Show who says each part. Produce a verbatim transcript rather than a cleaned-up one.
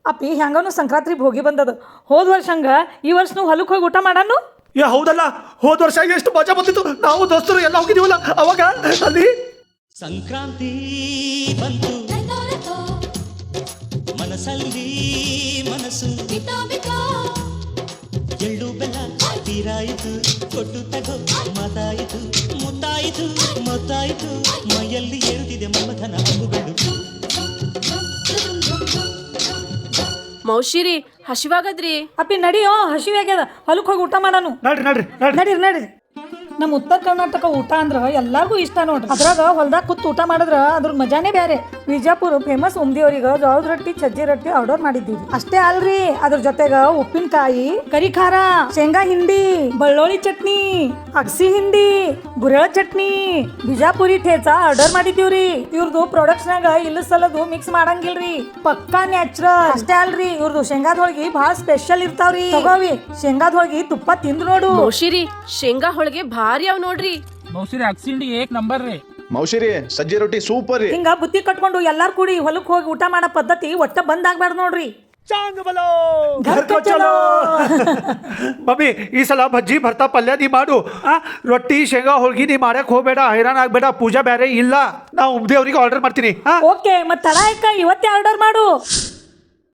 Speaker 1: ಅಪ್ಪಿ ಹೆಂಗನು ಸಂಕ್ರಾಂತಿ ಹೋಗಿ ಬಂದದ. ಹೋದ ವರ್ಷ ಹಂಗ ಈ ವರ್ಷ ನಾವು ಹೊಲಕ್ಕೆ ಹೋಗಿ ಊಟ ಮಾಡಾನು.
Speaker 2: ಏ ಹೌದಲ್ಲ, ಹೋದ ವರ್ಷ ಎಷ್ಟು ಮಜಾ ಬಂದಿತ್ತು. ನಾವು ದೋಸ್ತರು ಎಲ್ಲ ಹೋಗಿದೀವಲ್ಲ ಅವಾಗ ಅಲ್ಲಿ.
Speaker 3: ಸಂಕ್ರಾಂತಿ ಬಂತು ಮನಸ್ಸಲ್ಲಿ ಮನಸ್ಸು ಎಳ್ಳು ಬೆಲ್ಲ ತೀರಾಯಿತು, ಕೊಟ್ಟು ತಗೋ ಮಾತಾಯಿತು, ಮುತ್ತಾಯಿತು ಮೊತ್ತಾಯಿತು, ಮೈಯಲ್ಲಿ ಏರುತ್ತಿದೆ ಮಮಥನ ಹಬ್ಬುಗಳು.
Speaker 4: ಮೌಶಿರಿ ಹಸಿವಾಗದ್ರಿ.
Speaker 1: ಅಪ್ಪಿ ನಡಿಯೋ, ಹಸಿವೆ ಆಗ್ಯದ, ಹೊಲಕ್ಕೆ ಹೋಗಿ ಊಟ ಮಾಡಾನು.
Speaker 2: ನಡ್ರಿ ನಡ್ರಿ
Speaker 1: ನಡೀರಿ ನಡೀರಿ. ನಮ್ಮ ಉತ್ತರ ಕರ್ನಾಟಕ ಊಟ ಅಂದ್ರ ಎಲ್ಲಾರ್ಗು ಇಷ್ಟ ನೋಡ್ರಿ. ಅದ್ರಾಗ ಹೊಲ್ದಾಗ ಕೂತ್ ಊಟ ಮಾಡಿದ್ರ ಅದ್ರ ಮಜಾನೇ ಬೇರೆ. ವಿಜಯಪುರ ಫೇಮಸ್ ಉಮ್ದಿಯವ್ರಿಗೆ ಜೋಳದ ರೊಟ್ಟಿ ಸಜ್ಜಿ ರೊಟ್ಟಿ ಆರ್ಡರ್ ಮಾಡಿದ್ದೀವಿ. ಅಷ್ಟೇ ಅಲ್ರಿ, ಅದ್ರ ಜೊತೆಗ ಉಪ್ಪಿನಕಾಯಿ, ಕರಿ ಖಾರ, ಶೇಂಗಾ ಹಿಂಡಿ, ಬೆಳ್ಳುಳ್ಳಿ ಚಟ್ನಿ, ಅಗಸಿ ಹಿಂಡಿ, ಗುರೆಳ ಚಟ್ನಿ, ಬಿಜಾಪುರಿ ಠೇಚಾ ಆರ್ಡರ್ ಮಾಡಿದೀವ್ರಿ. ಇವ್ರದ್ದು ಪ್ರಾಡಕ್ಟ್ಸ್ ನಾಗ ಇಲ್ಲ ಸಲದು ಮಿಕ್ಸ್ ಮಾಡಂಗಿಲ್ರಿ, ಪಕ್ಕಾ ನ್ಯಾಚುರಲ್. ಅಷ್ಟೇ ಅಲ್ರಿ, ಇವ್ರದ್ದು ಶೇಂಗಾದ ಹೋಳಿಗೆ ಬಹಳ ಸ್ಪೆಷಲ್ ಇರ್ತಾವ್ರಿ. ತಗೋವಿ, ಶೇಂಗಾದ ಹೋಳಿಗೆ ತುಪ್ಪ ತಿಂದು ನೋಡು.
Speaker 4: ಮೌಶಿರಿ ಶೇಂಗಾ ಹೋಳಿಗೆ ಭಾರಿ ಅವ್ ನೋಡ್ರಿ.
Speaker 5: ಮೌಸಿರಿ ಅಕ್ಸಿಂಡಿ ಏಕ್ ನಂಬರ್ ರೀ.
Speaker 6: ಮೌಸಿರಿ ಸಜ್ಜಿ ರೊಟ್ಟಿ ಸೂಪರ್ ರೀ.
Speaker 1: ಹಿಂಗ ಬುತ್ತಿ ಕಟ್ಕೊಂಡು ಎಲ್ಲಾರು ಕೂಡಿ ಹೊಲಕ್ಕೆ ಹೋಗಿ ಊಟ ಮಾಡೋ ಪದ್ಧತಿ ಒಟ್ಟ ಬಂದ್ ಆಗ್ಬಾರ್ದು ನೋಡ್ರಿ.
Speaker 2: ಚಾಂಗ್ ಬಲೋ ಘರ್ ಕೋ ಚಲೋ. ಮಮ್ಮಿ ಈ ಸಲ ಬಜ್ಜಿ ಭರ್ತಾ ಪಲ್ಯ ನೀ ಮಾಡು. ಆ ರೊಟ್ಟಿ ಶೇಂಗಾ ಹೋಳ್ಗಿ ನೀ ಮಾಡಕ್ ಹೋಗ್ಬೇಡ, ಹೈರಾಣ ಆಗ್ಬೇಡ. ಪೂಜಾ ಬೇರೆ ಇಲ್ಲ, ನಾ ಉಮ್ದೇವ್ರಿಗೆ ಆರ್ಡರ್ ಮಾಡ್ತೀನಿ.
Speaker 1: ಓಕೆ, ಮತ್ ತಡ ಆಯ್ಕ ಇವತ್ತೇ ಆರ್ಡರ್ ಮಾಡು.